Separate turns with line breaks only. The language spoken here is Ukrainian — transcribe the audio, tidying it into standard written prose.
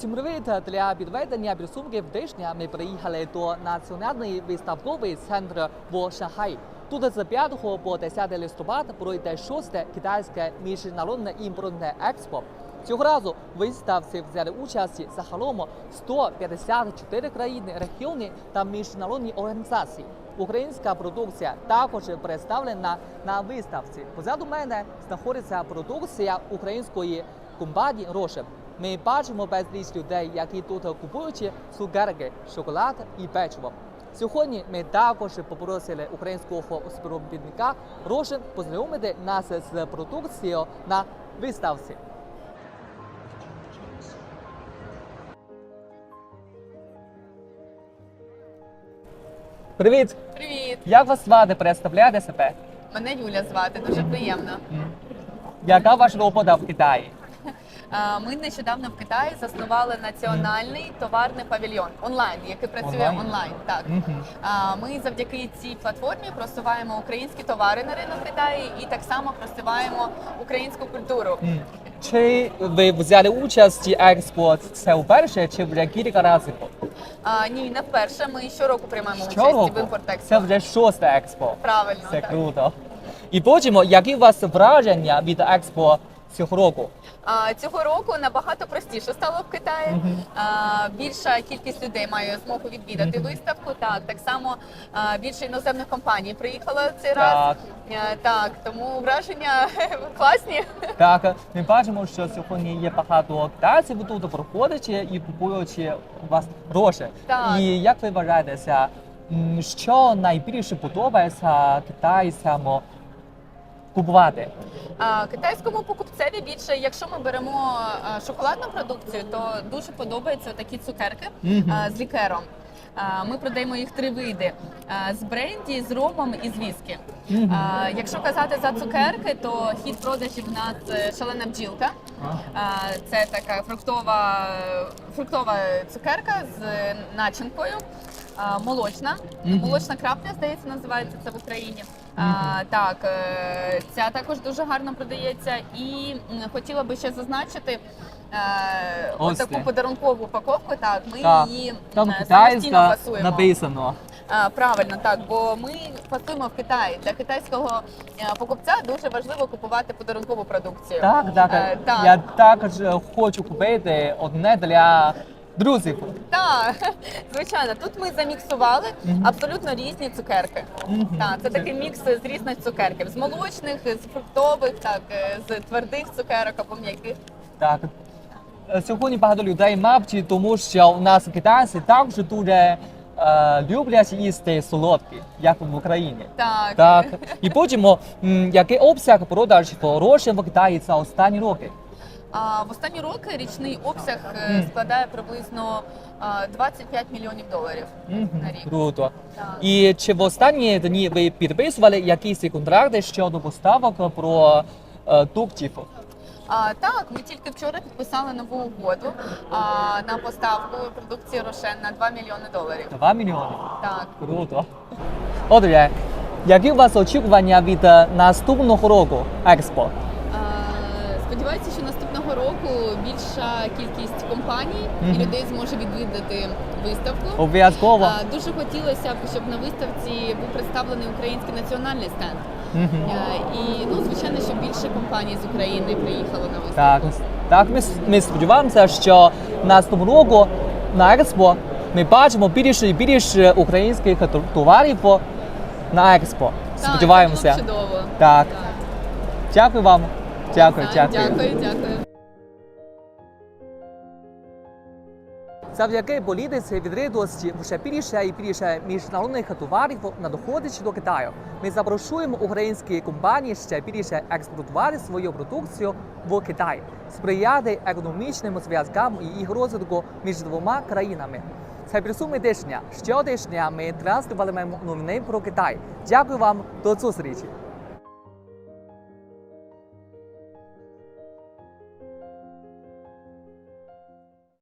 Всім привіт! Для підведення підсумків тижня ми приїхали до Національний виставковий центр в Шанхаї. Тут з 5 по 10 листопада пройде 6-те китайське міжнародне імпортне експо. Цього разу в виставці взяли участь загалом 154 країни, регіони та міжнародні організації. Українська продукція також представлена на виставці. Позаду мене знаходиться продукція української компанії «Рошен». Ми бачимо безліч людей, які тут купують цукерки, шоколад і печиво. Сьогодні ми також попросили українського співробітника «Рошен» познайомити нас з продукцією на виставці. Привіт!
Привіт!
Як вас звати? Представляєте себе?
Мене Юля звати, дуже приємно.
Яка ваша робота в Китаї?
Ми нещодавно в Китаї заснували національний товарний павільйон онлайн, який працює онлайн. Так. Ми завдяки цій платформі просуваємо українські товари на ринок Китаю і так само просуваємо українську культуру.
Чи ви взяли участь в експо це вперше, чи вже кілька разів?
Ні, не вперше. Ми щороку приймаємо участь в імпорт-експо.
Це вже 6-те експо.
Правильно.
Це
так.
круто. І потім, які у вас враження від експо цього року?
Цього року набагато простіше стало в Китаї. Більша кількість людей має змогу відвідати виставку. Так само більше іноземних компаній приїхало цей раз. Так, тому враження класні.
Так, ми бачимо, що сьогодні є багато китайців тут проходять і купують у вас гроші.
Так.
І як ви вважаєте, що найбільше подобається китайцям купувати?
Китайському покупцеві більше, якщо ми беремо шоколадну продукцію, то дуже подобаються такі цукерки з лікером. Ми продаємо їх 3 види – з бренді, з ромом і з віскі. Якщо казати за цукерки, то хід продажів у нас шалена бджілка. Це така фруктова цукерка з начинкою. Молочна крапля, здається, називається це в Україні. Так, ця також дуже гарно продається. І хотіла би ще зазначити ось таку подарункову упаковку. Так, ми її самостійно фасуємо.
Написано.
Правильно, так, бо ми фасуємо в Китаї. Для китайського покупця дуже важливо купувати подарункову продукцію.
Так. Я також хочу купити одне для друзів.
Так, звичайно. Тут ми заміксували абсолютно різні цукерки. Так, це такий мікс з різних цукерків. З молочних, з фруктових, так, з твердих цукерок або м'яких.
Так. Сьогодні багато людей, мабуть, тому що у нас китайці також дуже люблять їсти солодкі, як в Україні.
Так.
І потім, який обсяг продажів «Рошен» в Китаї за останні роки?
В останні роки річний обсяг складає приблизно $25 мільйонів на рік.
Круто.
Так.
І чи в останні дні ви підписували якісь контракти щодо поставок продуктів?
Так, ми тільки вчора підписали нову угоду на поставку продукції «Рошен» на $2 мільйони.
2 мільйони?
Так.
Круто. Отже, які у вас очікування від наступного року експо?
Сподіваюся, що наступного року більша кількість компаній і людей зможе відвідати виставку.
Обов'язково.
Дуже хотілося б, щоб на виставці був представлений український національний стенд. І, звичайно, щоб більше компаній з України приїхало на виставку.
Так, ми сподіваємося, що наступного року на експо ми бачимо більше і більше українських товарів на експо. Сподіваємося.
Так, це було б чудово.
Так. Дякую вам. Дякую.
Дякую.
Завдяки політиці відкритості все більше і більше міжнародних товарів надходить до Китаю. Ми запрошуємо українські компанії ще більше експортувати свою продукцію в Китай, сприяти економічним зв'язкам і їх розвитку між двома країнами. Це підсумки тижня. Щотижня ми транслюватимемо новини про Китай. Дякую вам, до зустрічі!